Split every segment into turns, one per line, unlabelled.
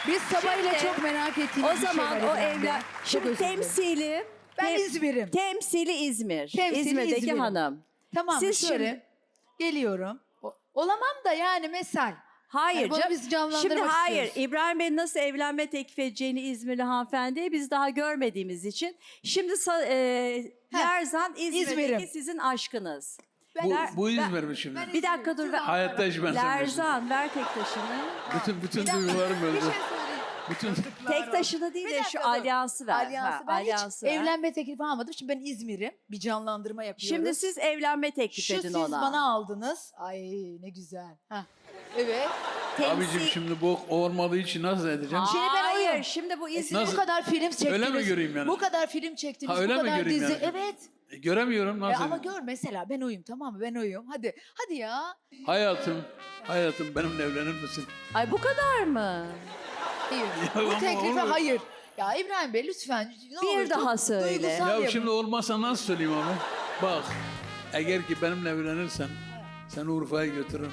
Biz sabahıyla
Şimdi,
çok merak ettiğimiz
O
bir şey
zaman
var
o
evrende.
evlen...
Çok
Şimdi
özür dilerim.
temsili...
Ben İzmir'im.
Temsili İzmir.
Temsili
İzmir'deki
İzmir'im.
hanım.
Tamam
Siz
şöyle
şimdi-
geliyorum. Olamam da yani mesal.
Hayır
Yani bunu
canım.
biz canlandırmak
Şimdi hayır.
istiyoruz.
İbrahim Bey'in nasıl evlenme teklif edeceğini İzmirli hanımefendiye biz daha görmediğimiz için. Şimdi Lerzan İzmir'deki
İzmir'im.
sizin aşkınız.
Bu İzmir mi şimdi?
Bir dakika dur.
Hayatta hiç benzemiyorsun.
Lerzan ver tek taşını.
Bütün duygularım
Bir
öldü.
şey söyleyeyim.
Bütün
Tek taşını değil
Bir
de
dakika
şu
dur.
alyansı ver.
Alyansı. Ben
alyansı
hiç
ver.
evlenme teklifi almadım. Şimdi ben İzmir'im. Bir canlandırma yapıyoruz.
Şimdi siz evlenme teklif
Şu
edin
siz
ona.
bana aldınız. Ay ne güzel. Heh. Evet.
abicim şimdi bu olmadığı için nasıl edeceğim?
Şimdi ben
Hayır,
oyum.
şimdi bu İzmir...
Nasıl?
Bu kadar film çektiniz.
Öyle mi göreyim yani?
Bu kadar film çektiniz.
Ha, öyle
bu
mi
kadar
göreyim
dizi.
yani?
Evet.
Göremiyorum nasıl
Ama
edeyim?
gör mesela ben oyum tamam mı? Ben oyum. Hadi. Hadi ya.
Hayatım benimle evlenir misin?
Ay bu kadar mı?
Hayır.
Ya
Bu
ama
teklife
olur.
hayır. Ya İbrahim Bey lütfen. Ne
Bir
olur,
daha
çok
söyle.
duygusal
Ya
yapın.
şimdi olmazsa nasıl söyleyeyim abi? Bak eğer ki benimle evlenirsen seni Urfa'ya götürürüm.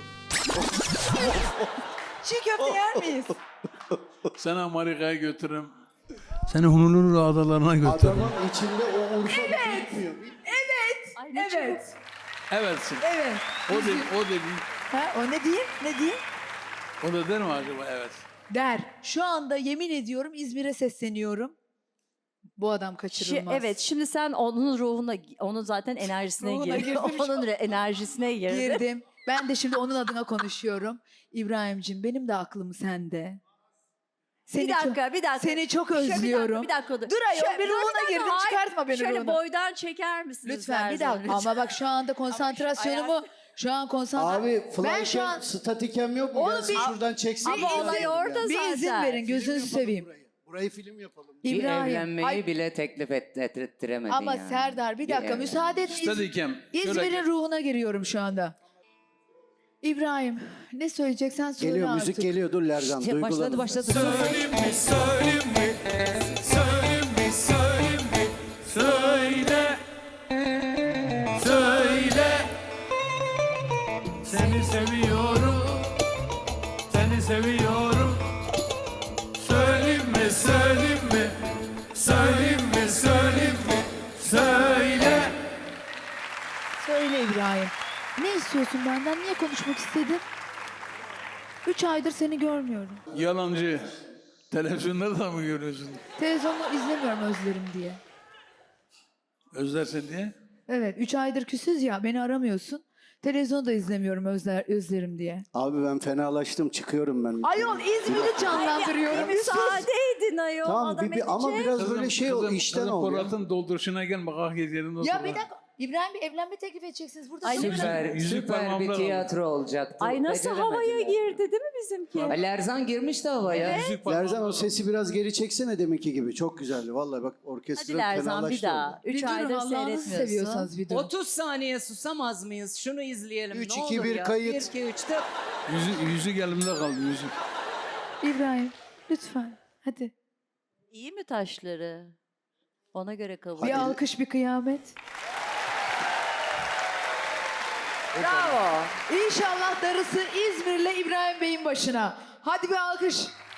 Çiğ köfte yer miyiz?
Seni Amerika'ya götürürüm. Seni Honolulu adalarına götürürüm.
Adamın içinde o Urfa bitmiyor.
Ay, ne
Evet.
Evetsin.
Evet.
O dedi.
Ha, o ne diyeyim? Ne diyeyim?
O da der mi acaba evet?
Der. Şu anda yemin ediyorum İzmir'e sesleniyorum. Bu adam kaçırılmaz.
Evet, şimdi sen onun ruhuna, onun zaten enerjisine
Ruhuna
girdin.
girdim.
Onun enerjisine girdin.
Girdim. Ben de şimdi onun adına konuşuyorum. İbrahim'cim benim de aklım sende.
Bir dakika, bir dakika.
Seni çok
Şöyle
özlüyorum.
Bir dakika, dur.
Dur ayol, bir ruhuna
dakika,
girdim,
hayır.
çıkartma beni
Şöyle
ruhuna.
boydan çeker misiniz?
Lütfen bir
Lerzan,
dakika. Ama bak şu anda konsantrasyonumu şu an
Abi
ben şu an
statikem yok mu?
Oğlum
Gelsin
bir-
şuradan çeksin.
Ama
bir
olay
izin
orada
ya.
bir izin
zaten.
verin gözünüzü
Film yapalım
seveyim.
Burayı film yapalım.
Bir
İbrahim.
evlenmeyi
Ay,
bile teklif ettiremedin
ama
yani.
Serdar bir dakika
evlenme.
müsaade et.
Steadicam.
İzmir'in ruhuna giriyorum şu anda. İbrahim ne söyleyeceksen söyle
Geliyor
artık.
müzik geliyor dur Lerzan duygulanın.
Başladı.
Söyle. Söyle. Seni seviyorum. Seni seviyorum. Söyleyeyim mi? Söyleyeyim mi? Söyleyeyim mi? Söyleyeyim mi? Söyle.
Söyle İbrahim. Ne istiyorsun benden? Niye konuşmak istedin? 3 aydır seni görmüyorum.
Yalancı. Televizyonda da mı görüyorsun?
Televizyonu izlemiyorum özlerim diye.
Özlersin diye.
Evet 3 aydır küsüz ya beni aramıyorsun. Televizyonu da izlemiyorum özlerim diye.
Abi ben fenalaştım çıkıyorum ben.
Ayol İzmir'i canlandırıyorum.
Müsaade edin ayol.
Tamam
adam
ama
edecek.
biraz böyle şey ol işten ol ya.
Polat'ın dolduruşuna gel bak hak edelim.
Ya bir dakika İbrahim Bey evlenme teklif edeceksiniz. Burada
Ay,
sorun
Süper,
yok.
Yüzük
süper bir
parmağımda kaldı.
tiyatro olacaktı.
Ay nasıl havaya
Beceremediler.
girdi değil mi bizimki?
Ha, Lerzan girmişti havaya.
Lerzan o sesi biraz geri çeksene deminki gibi. Çok güzeldi. Vallahi bak
Hadi
orkestra
Lerzan
fenalaştı.
bir daha. 3
Bir durun
aydır
Allah'ınızı
seyretmiyorsun.
seviyorsanız bir durun.
30 saniye susamaz mıyız? Şunu izleyelim.
3,
ne
2,
olur
1
ya.
kayıt.
1, 2, 3, 4.
Yüzük elimde kaldı yüzük.
İbrahim lütfen hadi.
İyi mi taşları? Ona göre kabul.
Bir
Hadi.
alkış bir kıyamet.
Bravo.
İnşallah darısı İzmir'le İbrahim Bey'in başına. Hadi bir alkış.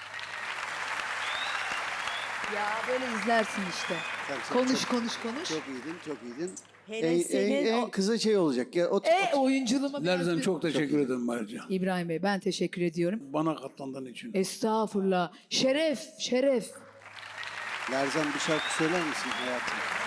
Ya böyle izlersin işte.
Sen
Konuş
çok-
konuş konuş.
Çok iyiydin, çok iyiydin.
Hele senin
En
o-
kısa şey olacak. Ya, otur.
Oyunculuğuma biraz
Lerzan
bir-
çok teşekkür ederim ayrıca.
İbrahim Bey ben teşekkür ediyorum.
Bana katlandığın için.
Estağfurullah. Şeref, şeref.
Lerzan bir şarkı söyler misin hayatım?